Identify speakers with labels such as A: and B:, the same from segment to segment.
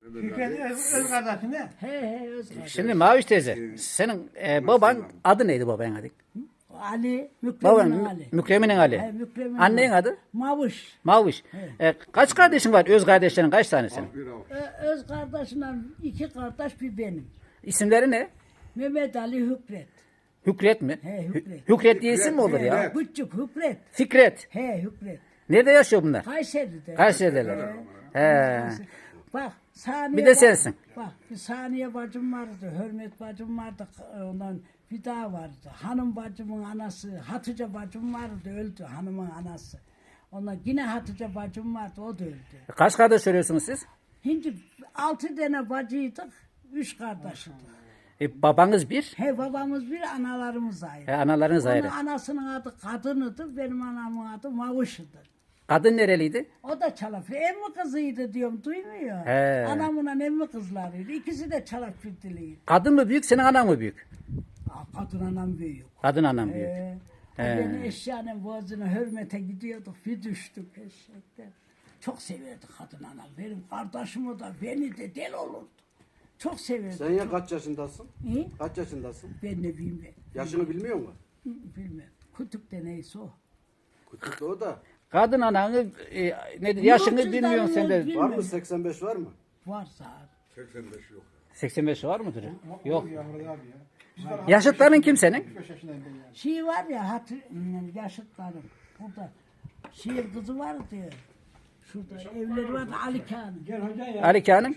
A: Fikret öz kardeşin ne?
B: He öz kardeş.
C: Şimdi Maviş teyze, senin baban adı neydi babanın adı?
B: Ali,
C: Baban
B: Mükremin Ali.
C: Mükremin'in Ali.
B: He, Mükremin
C: Annenin
B: Ali.
C: adı?
B: Mavuş.
C: Maviş. Kaç kardeşin var? Öz kardeşlerin kaç tane senin?
B: Öz kardeşimle 2 kardeş bir benim.
C: İsimleri ne?
B: Mehmet Ali Hükret.
C: Hükret mi?
B: He, Hükret.
C: Hükret diye isim mi olur ya?
B: Küçük Hükret.
C: Fikret.
B: He Hükret.
C: Nerede yaşıyor bunlar?
B: Kayseri'de.
C: Kayseri'deler. He.
B: Bak saniye
C: Bir de sensin.
B: Bak bir saniye bacım vardı, Hürmet bacım vardı, ondan bir daha vardı. Hanım bacımın anası, Hatice bacım vardı, öldü hanımın anası. Ondan yine Hatice bacım vardı, o da öldü.
C: Kaç kardeş söylüyorsunuz siz?
B: Şimdi 6 tane bacıydık, 3 kardeştik.
C: Babanız bir,
B: He babamız bir, analarımız ayrı.
C: analarınız ayrı.
B: Onun anasının adı Kadın'ıdı, benim anamın adı Mavuş'udu.
C: Kadın nereliydi?
B: O da Çalafir. Emmi kızıydı diyorum, duymuyor.
C: He.
B: Anamla emmi kızlarıydı. İkisi de Çalafir'diliydi.
C: Kadın mı büyük, senin anan mı büyük?
B: Kadın anam büyük.
C: Kadın anan büyük.
B: Beni eşyanın boğazına hürmete gidiyorduk. Bir düştük eşekten. Çok severdi kadın anam. Benim kardeşimi de beni de deli olurdu. Çok severdi.
D: Sen ya kaç yaşındasın?
B: İyi.
D: Kaç yaşındasın?
B: Ben ne bileyim ben.
D: Yaşını bilmiyor musun?
B: Bilmem. Kütükte neyse o.
D: Küçük de o da.
C: Kadın ananı nedir? Yaşını
B: Yurtsuzların
C: bilmiyorsun sen de.
B: bilmiyorum.
D: Var mı 85 var mı?
B: Varsa.
C: 85 var mıdır? Yok.
A: Ya Murat abi ya.
C: Yaşıtların kim senin?
A: 5 yaşındayım ben yani.
B: Şey var ya yaşıtlarım. Burada şehir kızı vardı ya. Şurada evleri vardı Ali Kağan'ın.
A: Gel hoca ya.
C: Ali Kağan'ın.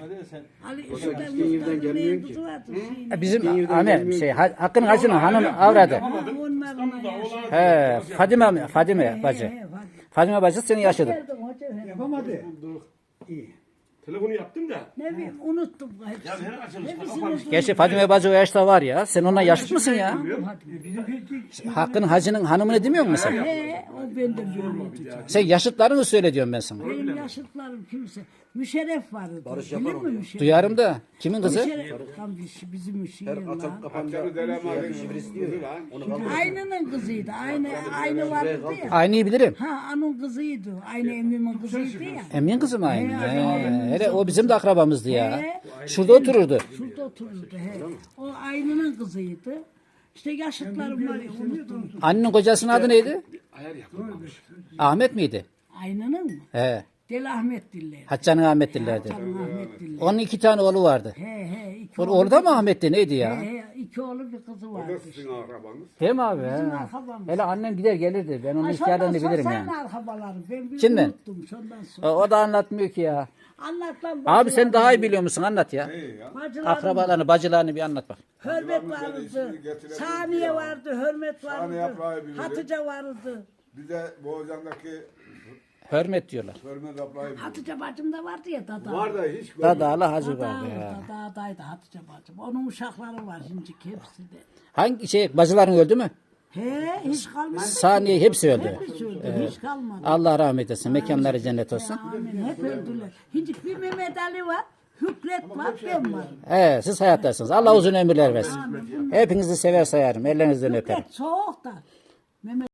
B: Ali
D: O da
B: şurada
D: gittiğin yerden
B: Muhtar'ın
D: gelmiyor
B: evin
D: ki.
B: kızı vardı.
C: Bizim Hakkı'nın hacının hanım avradı.
B: Onlarla yaşıyor.
C: He, Fadime bacı. Fadime bacı senin yaşıdın.
B: Geldim hoca.
A: Yapamadı. İyi.
E: Telefonu yaptım da.
B: Ne bileyim unuttum.
E: Ya sen açılışta
B: Hepsini
E: kapanmış.
C: Gerçi Fadime bacı o yaşta var ya. Sen onunla yaşıt mısın ya?
A: Bizimki
C: Hakkı'nın hacının hanımını demiyor musun sen?
B: He, o benden böyleydi.
C: Sen yaşıtlarını söyle diyorum ben sana.
B: Benim yaşıtlarım kimse. Müşerref vardı.
D: Barış
B: Bilir
D: yapar
B: mi
D: onu ya.
B: Müşerref?
C: Duyarım da. Kimin kızı?
B: Müşerref. Tam bizim
D: Her
B: şiir
D: açıp
B: lan.
D: kapanca şifresi diyor ya. Onu kaldırıyor.
B: Aynının kızıydı. Aynı vardı ya.
C: Aynıyı bilirim.
B: Ha anın kızıydı. Aynı emmimin kızıydı ya.
C: Emin kızım aynı.
B: He,
C: He, hele o bizim de akrabamızdı ya.
B: He.
C: Şurada otururdu.
B: Şurada otururdu. He. O aynının kızıydı. İşte yaşıtlarım var ya unuttum.
C: Annenin kocasının adı neydi?
E: Ayar yapılmamış.
C: Ahmet miydi?
B: Aynının mı?
C: He.
B: Deli Ahmet diller.
C: Haccan'ın Ahmet dillerdi.
B: Canım Ahmet diller.
C: Onun 2 tane oğlu vardı.
B: He iki
C: Orada mı Ahmet'ti neydi ya?
B: He, 2 oğlu bir kızı vardı.
E: Sizin akrabanız.
C: Değil mi abi? He.
B: akrabamız.
C: Hele annem gider gelirdi. Ben onun hikayelerini bilirim yani.
B: Arkabaları. Ben bir
C: Kimden?
B: unuttum şundan sonra.
C: O da anlatmıyor ki ya.
B: Anlat lan.
C: Abi sen daha iyi biliyor musun? Anlat ya.
B: Bacılarım,
C: Akrabalarını, bacılarını bir anlat bak.
B: Hürmet vardı. Saniye vardı. Hürmet vardı.
F: yaprağı bilirim.
B: Hatice vardı.
F: Bir de Boğazan'daki
C: Hürmet diyorlar.
F: Hürmet ablayı
B: Hatice bacım da vardı ya dada.
F: var da hiç
C: Dadalı hacı vardı ya.
B: Dadaydı Hatice bacım. Onun uşakları var şimdi hepsi de.
C: Hangi şey bacıların öldü mü?
B: He hiç kalmadı.
C: Saniye hepsi öldü.
B: Hepsi öldü. Hiç kalmadı.
C: Allah rahmet etsin. Mekanları cennet olsun.
B: Amin. Hep öldüler. Şimdi bir Mehmet Ali var. Hükret var. Ben varım.
C: Evet, siz hayattasınız. Allah uzun ömürler versin. Hepinizi sever sayarım. Ellerinizden öperim.
B: Hükret soğuk da. Mehmet